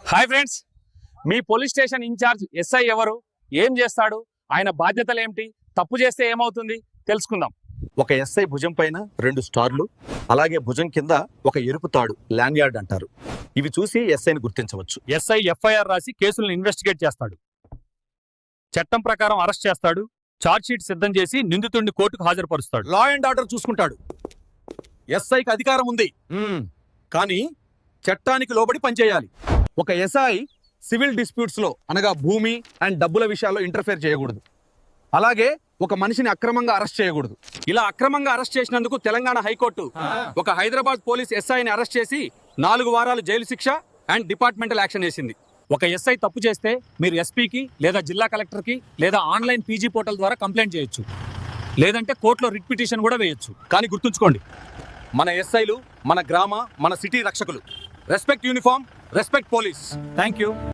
Hi friends, మీ police station incharge SI ఎవరు, ఏం చేస్తాడు, ఆయన బాధ్యతలు ఏమిటి, తప్పు చేస్తే ఏమవుతుంది తెలుసుకుందాం. ఒక ఎస్ఐ భుజం పైన 2 స్టార్లు, అలాగే భుజం కింద ఒక ఎరుపు తాడు, ల్యాండ్యార్డ్ అంటారు. ఇవి చూసి ఎస్ఐని గుర్తించవచ్చు. ఎస్ఐ ఎఫ్ఐఆర్ రాసి కేసులను ఇన్వెస్టిగేట్ చేస్తాడు, చట్టం ప్రకారం అరెస్ట్ చేస్తాడు, ఛార్జ్ షీట్ సిద్ధం చేసి నిందితుడిని కోర్టుకు హాజరుపరుస్తాడు. లా అండ్ ఆర్డర్ చూసుకుంటాడు. ఎస్ఐకి అధికారం ఉంది, కానీ చట్టానికి లోబడి పనిచేయాలి. ఒక ఎస్ఐ సివిల్ డిస్ప్యూట్స్ లో, అనగా భూమి అండ్ డబ్బుల విషయాల్లో ఇంటర్ఫేర్ చేయకూడదు. అలాగే ఒక మనిషిని అక్రమంగా అరెస్ట్ చేయకూడదు. ఇలా అక్రమంగా అరెస్ట్ చేసినందుకు తెలంగాణ హైకోర్టు ఒక హైదరాబాద్ పోలీస్ ఎస్ఐని అరెస్ట్ చేసి 4 వారాలు జైలు శిక్ష అండ్ డిపార్ట్మెంటల్ యాక్షన్ వేసింది. ఒక ఎస్ఐ తప్పు చేస్తే మీరు ఎస్పీకి లేదా జిల్లా కలెక్టర్కి లేదా ఆన్లైన్ పీజీ పోర్టల్ ద్వారా కంప్లైంట్ చేయొచ్చు, లేదంటే కోర్టులో రిట్ పిటిషన్ కూడా వేయొచ్చు. కానీ గుర్తుంచుకోండి, మన ఎస్ఐలు మన గ్రామ, మన సిటీ రక్షకులు. Respect uniform, respect police. Thank you.